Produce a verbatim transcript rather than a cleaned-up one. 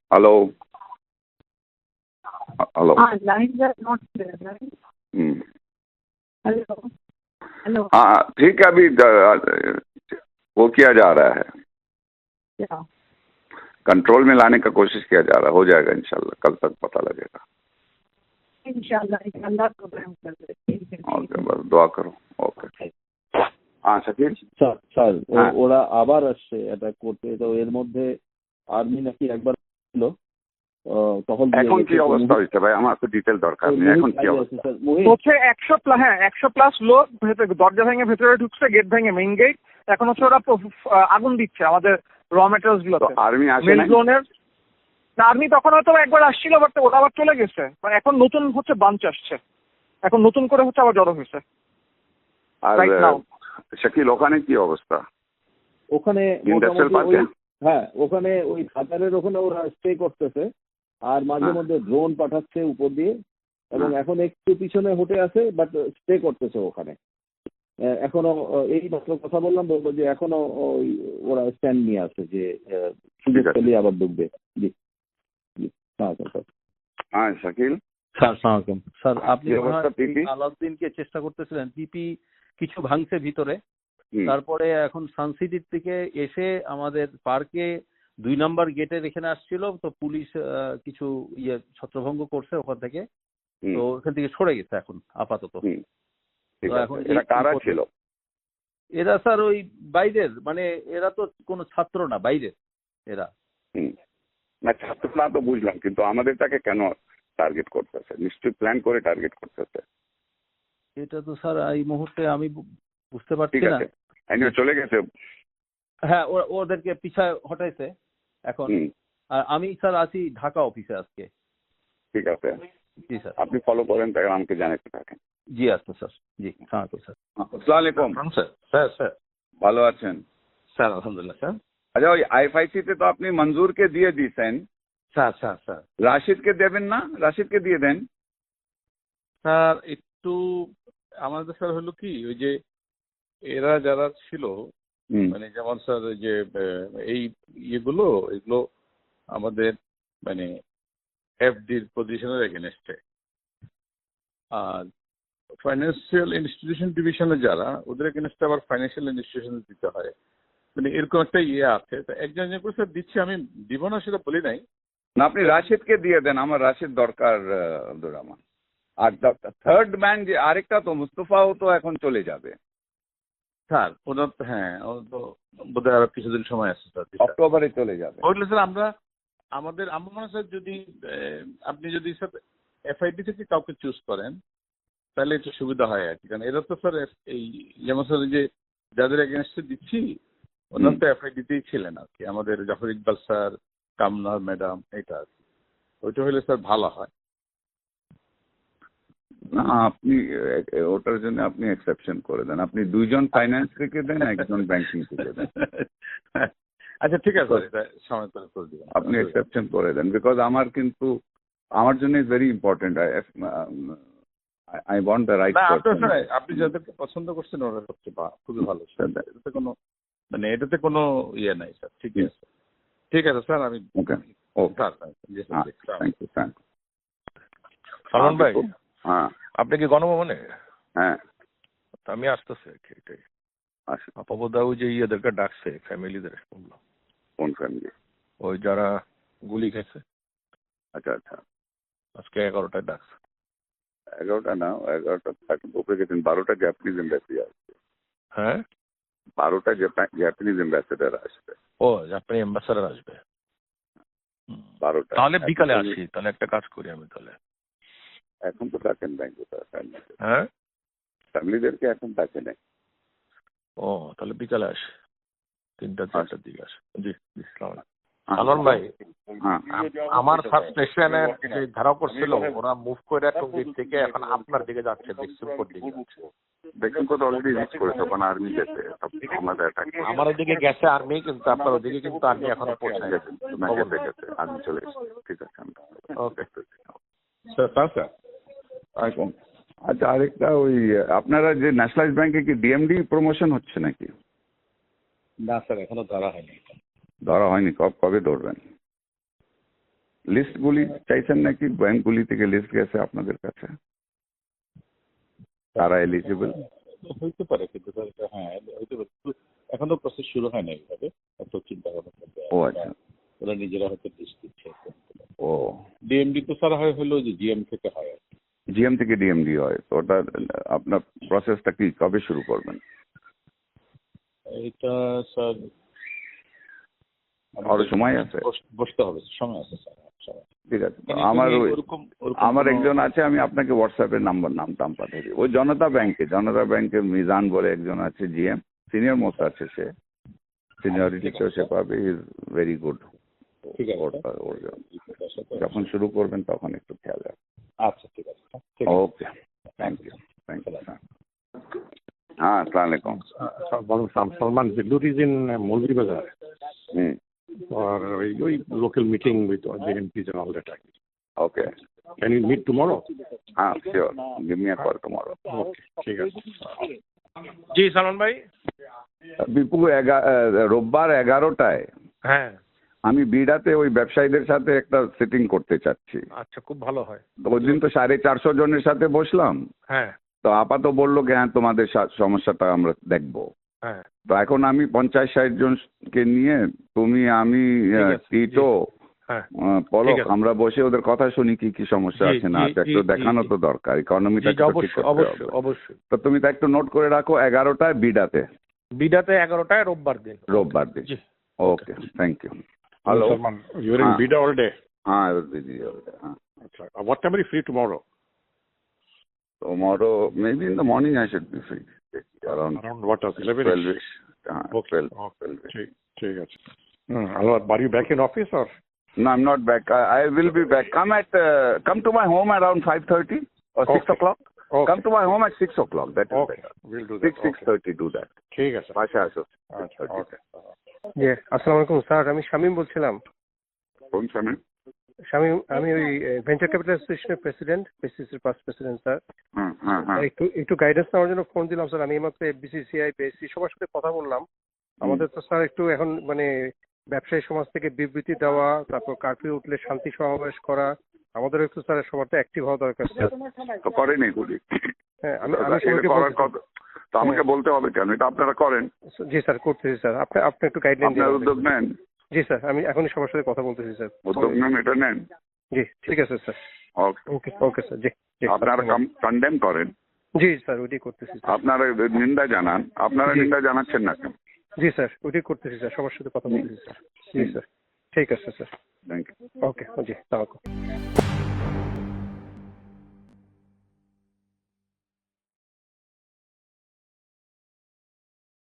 Hello. Uh, Hello. Ah, lines are not clear, right? Hmm Hello. Hello. हाँ ठीक है, अभी द- वो किया जा रहा है, Yeah. कंट्रोल में लाने का कोशिश किया जा रहा है, हो जाएगा इंशाल्लाह, कल तक पता लगेगा। इंशाल्लाह इंशाल्लाह प्रोग्राम कर देते हैं। ओके, बस दुआ करो। ओके हाँ शकील স্যার স্যার ও- হ্যাঁ। ওরা আবার আসছে অ্যাটাক করতে, তো এর মধ্যে আর্মি নাকি একবার ছিল আহ, টহল দিয়ে এখন গেছে, কি তো অবস্থা মুহিত- হয়েছে ভাই, আমার তো ডিটেল দরকার ওই নেই, মুহিত এখন কি বাইরে অবস্থা? আছে, স্যার মুহিত। হচ্ছে একশো প্লাস হ্যাঁ একশো প্লাস লোক ভেতরে দরজা ভেঙে ভেতরে ঢুকছে, গেট ভেঙে মেইন গেট। এখন হচ্ছে ওরা প- আগুন দিচ্ছে আমাদের র মেটেরিয়ালস তো গুলোতে আর্মি আসে মেল নাই? জোনের। আর্মি তখন হয়তো একবার আসছিল, বাট ওরা আবার চলে গেছে। মানে এখন নতুন হচ্ছে বাঞ্চ আসছে, এখন নতুন করে হচ্ছে আবার জড়ো হয়েছে আর right now. শাকিল ওখানে কি অবস্থা? ওখানে ইন্ডাস্ট্রিয়াল মোটামুটি পার্কে? ওই হ্যাঁ ওখানে ওই খাতারের ওখানে ওরা স্টে করতেছে, আর মাঝে হ্যাঁ। মধ্যে ড্রোন পাঠাচ্ছে উপর দিয়ে, এবং হ্যাঁ। এখন একটু পিছনে হটে আছে, বাট স্টে করতেছে ওখানে। আহ, এখনো আহ, এই মাত্র কথা বললাম, বলবো যে এখনো ওই ওরা স্ট্যান্ড নিয়ে আছে যে আহ, সুযোগ ঠিক আছে। পেলে আবার ঢুকবে। জি জি হ্যাঁ স্যার। হ্যাঁ শাকিল স্যার সালামালাইকুম স্যার, আপনি কি মনে হয় অবস্থা পিপি? আলাউদ্দিনকে চেষ্টা করতেছিলেন, পিপি কিছু ভাঙছে ভিতরে। হুম, তারপরে এখন সানসিটির থেকে এসে আমাদের পার্কে দুই নাম্বার গেটের এখানে আসছিল, তো পুলিশ আহ, কিছু ইয়ে ছত্রভঙ্গ করছে ওখান থেকে, হুম, তো ওখান থেকে সরে গেছে এখন আপাতত। হুম, ঠিক তো আছে। এখন এরা এই- কারা এই ছিল? এরা স্যার ওই বাইরের, মানে এরা তো কোনো ছাত্র না, বাইরের এরা। হুম, না ছাত্র না তো বুঝলাম, কিন্তু আমাদেরটাকে কেন টার্গেট করতেছে? নিশ্চয়ই প্ল্যান করে টার্গেট করতেছে। এটা তো স্যার এই মুহূর্তে আমি বু- বুঝতে পারছি ঠিক না। আছে, এনিও চলে গেছে। হ্যাঁ ওরা ওদেরকে পিছায় হটাইছে এখন। হুম, আর আমি স্যার আছি ঢাকা অফিসে আজকে। ঠিক আছে, জি স্যার। আপনি ফলো করেন, তাই আমাকে জানাতে থাকেন। জি আচ্ছা স্যার। জি হ্যাঁ তো স্যার। আসসালামু আলাইকুম। স্যার স্যার স্যার ভালো আছেন? স্যার আলহামদুলিল্লাহ স্যার। আচ্ছা, ওই আইএফআইসি তে তো আপনি মঞ্জুরকে দিয়ে দিয়েছেন, স্যার স্যার স্যার রাশিদকে দেবেন না? রাশিদকে দিয়ে দেন। স্যার একটু আমাদের স্যার হলো কি, ওই যে এরা যারা ছিল, হুম, মানে যেমন স্যার ওই যে আহ, এই ইয়েগুলো এগুলো আমাদের মানে এফডির পজিশনের এগেনস্টে, আর ফাইন্যান্সিয়াল ইনস্টিটিউশন ডিভিশনে যারা, ওদের এগেনস্টে আবার ফাইন্যান্সিয়াল ইনস্টিটিউশন দিতে হয়, মানে এরকম একটা ইয়ে আছে। তো একজন একজন করে স্যার দিচ্ছি, আমি দিব না সেটা বলি নাই। না আপনি রাশিদকে দিয়ে দেন, আমার রাশিদ দরকার আহ, আব্দুর রহমান। আর থার্ড ম্যান যে আরেকটা তো মুস্তফাও তো এখন চলে যাবে, স্যার ওনার তো হ্যাঁ ওনার তো বোধহয় আরো কিছুদিন সময় আছে স্যার। অক্টোবরে চলে যাবে। ওইগুলো স্যার আমরা আমাদের আমার মনে হয় স্যার, যদি আহ, আপনি যদি স্যার এফআইডি থেকে কাউকে চুজ করেন তাহলে একটু সুবিধা হয় আর কি। কারণ এরা তো স্যার এই যেমন স্যার এই যে যাদের এগেনস্টে দিচ্ছি ওনার তো এফআইডিতেই ছিলেন আর কি, আমাদের জাফর ইকবাল স্যার, কামনার ম্যাডাম, এটা আর কি। ওইটা হলে স্যার ভালো হয়। না আপনি এ- ওটার জন্য আপনি এক্সেপশন করে দেন, আপনি দুইজন ফাইন্যান্স থেকে দেন, একজন ব্যাংকিং থেকে দেন। আচ্ছা ঠিক আছে স্যার, এটা সময় করে করে দিবেন আপনি এক্সেপশন করে দেন, বিকজ আমার কিন্তু আমার জন্য is very important. I want the right না আপনার পারসন। স্যার আপনি যাদেরকে পছন্দ করছেন ওরা সবচেয়ে ভা- খুবই ভালো স্যার। এটাতে কোনো মানে এটাতে কোনো ইয়ে নাই স্যার। ঠিক আছে ঠিক আছে স্যার, আমি ওকে ওকে, স্যার স্যার, জি স্যার, জি, sir. Thank you thank Salman ভাই, হ্যাঁ আপনি কি গণভবনে? হ্যাঁ তা আমি আসতেছি আর কি, এটাই। আসুন। আপাবদাও যে ইয়েদেরকে ডাকছে, ফ্যামিলিদের শুনলাম, কোন ফ্যামিলি? ওই যারা গুলি খেয়েছে, আচ্ছা আচ্ছা, আজকে এগারোটায় ডাকছে। এগারোটা না, এগারোটা থার্টি উপরে গেছেন, বারোটা জাপানিজ এম্বাসি আসবে, হ্যাঁ বারোটা জাপানিজ এম্বাসেডার আসবে, ও আপনি অ্যাম্বাসাডার আসবে। হুম। বারোটা। তাহলে বিকালে আসি, তাহলে একটা কাজ করি আমি তাহলে। এখন তো ডাকেন ব্যাংকে, হ্যাঁ ফ্যামিলিদেরকে এখন ডাকে নাই। ও তাহলে বিকালে আসি, তিনটা চারটার দিকে আসি। জি জি সালাম আলাইকুম। সালমান ভাই, হ্যাঁ আমার সাবস্টেশনের যে ধারা করছিল ওরা মুভ করে টঙ্গীর থেকে এখন আপনার দিকে যাচ্ছে, বিক্সুমপুর দিকে যাচ্ছে। দেখুন কত অলরেডি রিচ করেছে, ওখানে আর্মি গেছে, সব আমাদের অ্যাটাক আমার ওদিকে গেছে আর্মি, কিন্তু আপনার ওদিকে কিন্তু আর্মি এখনো পৌঁছায় গেছে, গেছে গেছে আর্মি চলে এসেছে। ঠিক আছে, ওকে স্যার স্যার আচ্ছা আচ্ছা, আরেকটা ওই আপনারা যে ন্যাশনালাইজ ব্যাংকে কি ডিএমডি প্রমোশন হচ্ছে নাকি? না স্যার এখনো ধরা হয়নি। ধরা হয়নি, কব কবে ধরবেন? লিস্টগুলি চাইছেন নাকি? ব্যাংকগুলি থেকে লিস্ট গেছে আপনাদের কাছে, তারা এলিজিবল? হইতে পারে, কিন্তু স্যার এটা হ্যাঁ হইতে পারে, কিন্তু এখনো প্রসেস শুরু হয় না এইভাবে, এত চিন্তা ভাবনা করতে। ও আচ্ছা, ওরা নিজেরা হয়তো লিস্ট দিচ্ছে। ও ডিএমডি তো স্যার হয় হলো যে জিএম থেকে হয় আর কি। জিএম থেকে ডিএমডি হয়, তো ওটা আপনার প্রসেসটা কি কবে শুরু করবেন? এটা স্যার আরো সময় আছে, বস- বসতে হবে, সময় আছে স্যার, সময় আছে। ঠিক আছে। মানে আমার তুমি ওই ওরকম ওরকম আমার কোনো- একজন আছে, আমি আপনাকে হোয়াটসঅ্যাপে নাম্বার নাম টাম পাঠিয়ে দিই। ওই জনতা ব্যাংকে, জনতা ব্যাংকের মিজান বলে একজন আছে জিএম, সিনিয়র মোস্ট আছে সে, সিনিয়রিটিতেও সে পাবে, ইজ ভেরি গুড। ঠিক আছে যখন শুরু করবেন তখন একটু খেয়াল রাখবেন। আচ্ছা ঠিক আছে ঠিক আছে। Okay, thank you, thank you. হ্যাঁ, আসসালামু আলাইকুম। Uh, Salman Zillur is in uh, Molvi Bazaar hmm, for uh, a local meeting with all the M Ps and all that. Okay, Can you meet tomorrow? হ্যাঁ sure, give me a call tomorrow. Okay, ঠিক আছে। জি সালমান ভাই। বিপু, এগা- আহ, রোববার এগারোটায় হ্যাঁ আমি বিড়াতে ওই ব্যবসায়ীদের সাথে একটা সিটিং করতে চাচ্ছি। আচ্ছা, খুব ভালো হয়। তো ওই দিন তো সাড়ে চারশো জনের সাথে বসলাম, হ্যাঁ তো আপাতত বললো কি হ্যাঁ তোমাদের সা- সমস্যাটা আমরা দেখবো। হ্যাঁ তো এখন আমি পঞ্চাশ ষাট জনকে নিয়ে, তুমি, আমি, ঠিক আহ, আছে, টিটো, হ্যাঁ আহ, পলক, ঠিক আছে। আমরা বসে ওদের কথা শুনি কি কি সমস্যা জি, আছে না জি, আছে, জি, একটু জি, দেখানো জি। তো দরকার, ইকোনমিটা জি, জি, অবশ্যই অবশ্যই অবশ্যই। তো তুমি তো একটু নোট করে রাখো, এগারোটায় বিডাতে, বিডাতে এগারোটায় রোববার দিন। রোববার দিন। জি okay, thank you. Hello, Salman, you're in Ah. Bida all day. হ্যাঁ দিদি, হ্যাঁ। Achha. Uh, What time are you free tomorrow? Tomorrow, maybe in the morning I should be free. Around Around what hours? eleven? twelve-ish. Uh, Okay. twelve, Okay. twelve-ish. ঠিক ঠিক আছে। Hmm. Anwar, are you back in office or? No, I'm not back. I, I will be back. Come at, uh, come to my home around five thirty or six Okay. o'clock. Okay. Come to my home at six o'clock. That is Okay. better. We'll do that. Six, six Okay. thirty. Do that. ঠিক আছে। Pasha আসো। আচ্ছা, okay. জি আসসালামু আলাইকুম sir, আমি শামীম বলছিলাম। কোন সময়? শামীম, আমি ওই ভেঞ্চার ক্যাপিটাল অ্যাসোসিয়েশনের প্রেসিডেন্ট, বিসিসির পাস্ট প্রেসিডেন্ট স্যার। হ্যাঁ, হ্যাঁ, হ্যাঁ। একটু একটু গাইডেন্স নেওয়ার জন্য ফোন দিলাম স্যার। আমি এইমাত্র বিসিসিআই, বিএসসি সবার সাথে কথা বললাম। আমাদের তো স্যার একটু এখন মানে ব্যবসায়ী সমাজ থেকে বিবৃতি দেওয়া, তারপর কারফিউ উঠলে শান্তি সমাবেশ করা, আমাদের একটু স্যার সবার তো অ্যাক্টিভ হওয়া দরকার স্যার। তো করেন এগুলি। হ্যাঁ, আমি আমি এটা সবাইকে করার বলছি- কথা- তো আমাকে বলতে হবে কেন? এটা আপনারা করেন, জি স্যার করতেছি স্যার। আপনি আপনি একটু গাইডলাইন আপনার দিন। উদ্যোগ নেন, জি স্যার, আমি এখনই সবার সাথে কথা বলতেছি স্যার। উদ্যোগ নেন, এটা নেন। জি ঠিক আছে স্যার। ওকে, ওকে ওকে স্যার। জি জি আপনারা কন্ডেম করেন, জি স্যার, ওইটাই করতেছি স্যার। আপনারা নিন্দা জানান, আপনারা জি। নিন্দা জানাচ্ছেন না কেন? জি স্যার, ওইটাই করতেছি স্যার, সবার সাথে কথা বলতেছি স্যার। জি স্যার, ঠিক আছে স্যার। Thank you. ওকে জি, সালামালাইকুম।